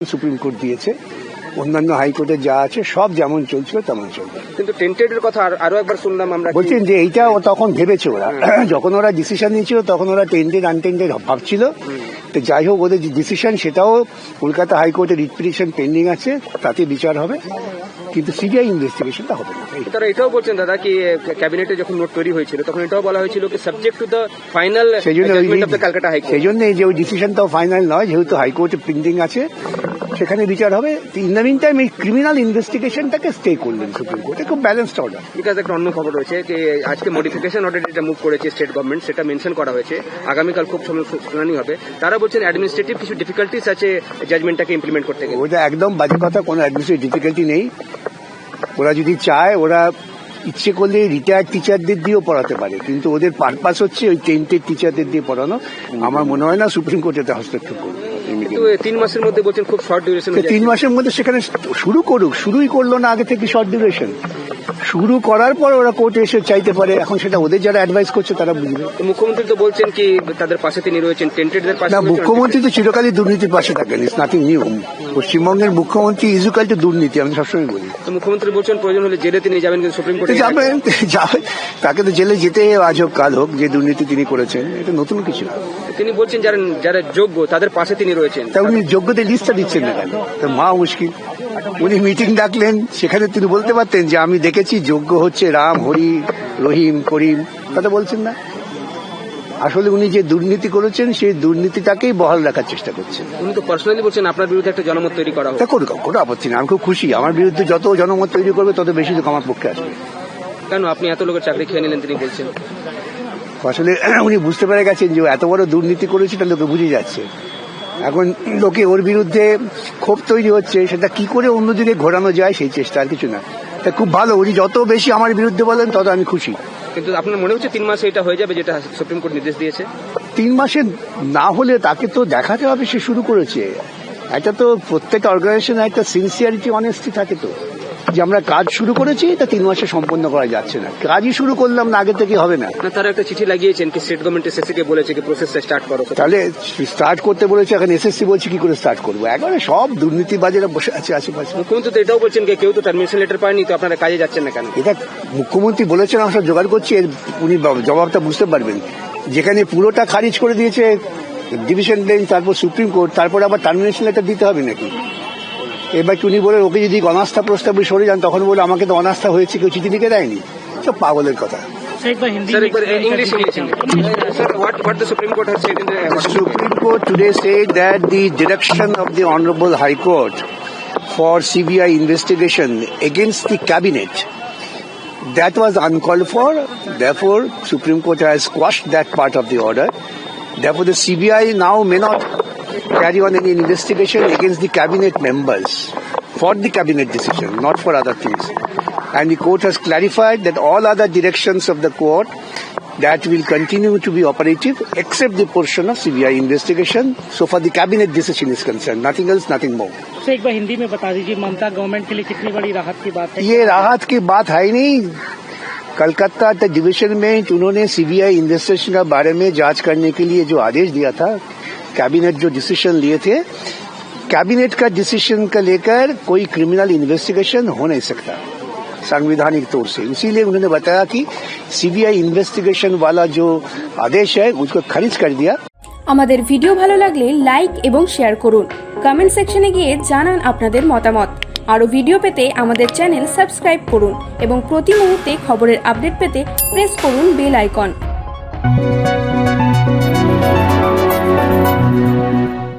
Supreme court দিয়েছে, অন্যান্য হাইকোর্টে যা আছে সব যেমন চলছিল তেমন চলবে। কিন্তু টেন্টেডের কথা আরো একবার শুনলাম আমরা, বলছেন যে এইটা তখন ভেবেছে ওরা, যখন ওরা ডিসিশন নিয়েছিল তখন ওরা টেন্টেড আনটেন্টেড ভাবছিল। তো যাই হোক, ওদের যে ডিসিশন সেটাও কলকাতা হাইকোর্টে রিট পিটিশন পেন্ডিং আছে, তাতে বিচার হবে, কিন্তু সিবিআই ইনভেস্টিগেশনটা হবে না। তারা এটাও বলছেন দাদা কি ক্যাবিনেটে যখন নোট তৈরি হয়েছিল তখন এটাও বলা হয়েছিল কি subject to the final judgment of the Calcutta high court. সেই জন্য যে ওই ডিসিশনটাও ফাইনাল নয়, যেহেতু হাইকোর্টে পেন্ডিং আছে, সেখানে বিচার হবে। ইন দ্য মিন টাইম এই ক্রিমিনাল ইনভেস্টিগেশনটাকে স্টে করলেন সুপ্রিম কোর্টে, খুব ব্যালেন্সড অর্ডার। বিকজ একটা অন্য খবর রয়েছে যে আজকে মডিফিকেশন অর্ডার যেটা মুভ করেছে স্টেট গভর্নমেন্ট, সেটা মেনশন করা হয়েছে, আগামীকাল খুব শুনানি হবে। তারা বলছেন অ্যাডমিনিস্ট্রেটিভ কিছু ডিফিকাল্টিস আছে জাজমেন্টটাকে ইমপ্লিমেন্ট করতে গেলে। ওটা একদম বাজে কথা, কোনো অ্যাডমিনিস্ট্রেটিভ ডিফিকাল্টি নেই। ওরা যদি চায়, ওরা ইচ্ছে করলে রিটায়ার্ড টিচারদের দিয়েও পড়াতে পারে, কিন্তু ওদের পারপাস হচ্ছে ওই টেন্টেড টিচারদের দিয়ে পড়ানো। আমার মনে হয় না সুপ্রিম কোর্ট এতে হস্তক্ষেপ করবে। 3 মাসের মধ্যে বলছেন খুব শর্ট ডিউরেশন। 3 মাসের মধ্যে সেখানে শুরু করুক, শুরুই করলো না আগে থেকে শর্ট ডিউরেশন। শুরু করার পর ওরা কোর্টে এসে চাইতে পারে, এখন সেটা ওদের যারা অ্যাডভাইস করছে তারা বুঝবে। মুখ্যমন্ত্রী তো বলছেন কি তাদের পাশে তিনি রয়েছেন, টেন্টেডদের পাশে। না, মুখ্যমন্ত্রী তো চিরকালই দুর্নীতির পাশে থাকেন, ইটস নাথিং নিউ। পশ্চিমবঙ্গের মুখ্যমন্ত্রী ইজুকাল টু দুর্নীতি, আমি সবসময় বলি। মুখ্যমন্ত্রী বলছেন প্রয়োজন হলে জেলে তিনি যাবেন, কিন্তু সুপ্রিম কোর্টে যাবেন, তাকে তো জেলে যেতে আজ হোক কাল হোক, যে দুর্নীতি তিনি করেছেন এটা নতুন কিছু না। তিনি বলছেন যারা যোগ্য তাদের পাশে তিনি রয়েছেন। তা উনি যোগ্যদের লিস্টটা দিচ্ছেন না কেন? তো মা মুশকিল। উনি মিটিং ডাকলেন, সেখানে তিনি বলতে পারতেন যে আমি দেখেছি যোগ্য হচ্ছে রাম, হরি, রহিম, করিম, কথা বলছেন না। আসলে উনি যে দুর্নীতি করেছেন সেই দুর্নীতিটাকেই বহাল রাখার চেষ্টা করছেন। উনি তো পার্সোনালি বলছেন আপনার বিরুদ্ধে একটা জনমত তৈরি করা হবে। তা করুক, কোনো আপত্তি না, আমি খুব খুশি। আমার বিরুদ্ধে যত জনমত তৈরি করবে তত বেশি লোক আমার পক্ষে আসবে। কেন আপনি এত লোকের চাকরি খেয়ে নিলেন তিনি বলছেন? আসলে উনি বুঝতে পেরে গেছেন যে এত বড় দুর্নীতি করেছে, এটা লোকে বুঝে যাচ্ছে। এখন লোকে ওর বিরুদ্ধে ক্ষোভ তৈরি হচ্ছে, সেটা কি করে অন্যদিকে ঘোরানো যায় সেই চেষ্টা, আর কিছু না। তা খুব ভালো, উনি যত বেশি আমার বিরুদ্ধে বলেন তত আমি খুশি। কিন্তু আপনার মনে হচ্ছে 3 মাসে এটা হয়ে যাবে যেটা সুপ্রিম কোর্ট নির্দেশ দিয়েছে? 3 মাসে না হলে তাকে তো দেখাতে হবে সে শুরু করেছে। এটা তো প্রত্যেক অর্গানাইজেশনে একটা সিনসিয়ারিটি, অনেস্টি থাকে তো, যে আমরা কাজ শুরু করেছি, তা 3 মাসে সম্পন্ন করা যাচ্ছে না। কাজই শুরু করলাম না, আগে থেকে হবে না। তারা একটা চিঠি লাগিয়েছেন কি স্টেট গভর্নমেন্ট এসএসসি কে বলেছে কি প্রসেসটা স্টার্ট করো, তাহলে স্টার্ট করতে বলেছে, এখন এসএসসি বলছে কি করে স্টার্ট করবো? একবারে সব দুর্নীতিবাজেরা বসে আছে আশেপাশে। মুখ্যমন্ত্রী তো এটাও বলছেন কেউ তো টার্মিনেশন লেটার পায়নি, তো আপনারা কাজে যাচ্ছেন না কেন? এটা মুখ্যমন্ত্রী বলেছেন, আমরা সব জোগাড় করছি, উনি জবাবটা বুঝতে পারবেন। যেখানে পুরোটা খারিজ করে দিয়েছে ডিভিশন বেঞ্চ, তারপর সুপ্রিম কোর্ট, তারপর আবার টার্মিনেশন লেটার দিতে হবে নাকি? এবার উনি বলে ওকে যদি অনাস্থা প্রস্তাবে সরে যান, তখন বলে আমাকে তো অনাস্থা হয়েছে, কেউ চিঠি লিখে দেয়নি। সব পাগলের কথা। Supreme Court today said that the direction of the Honorable High Court for CBI investigation against the cabinet, that was uncalled for. Therefore, Supreme Court has quashed that part of the order. Therefore, the CBI now may not carry on any investigation against the cabinet members for the cabinet decision, not for other things. And the court has clarified that all other directions of the court that will continue to be operative except the portion of CBI investigation. So far the cabinet decision is concerned, nothing else, nothing more. तो एक बार हिंदी में बता दीजिए, ममता government के लिए कितनी बड़ी राहत की बात है? ये राहत की बात है ही नहीं। कलकत्ता डिवीजन में उन्होंने सीबीआई इन्वेस्टिगेशन के बारे में जांच करने के लिए जो आदेश दिया था, कैबिनेट जो डिसीजन लिए थे, कैबिनेट का डिसीजन का लेकर कोई क्रिमिनल इन्वेस्टिगेशन हो नहीं सकता संवैधानिक तौर से। इसीलिए उन्होंने बताया कि सीबीआई इन्वेस्टिगेशन वाला जो आदेश है उसको खारिज कर दिया। আমাদের ভিডিও ভালো লাগলে লাইক এবং শেয়ার করুন। কমেন্ট সেকশনে গিয়ে জানান আপনাদের মতামত। আরো ভিডিও পেতে আমাদের চ্যানেল সাবস্ক্রাইব করুন এবং প্রতি মুহূর্তে খবরের আপডেট পেতে প্রেস করুন বেল আইকন।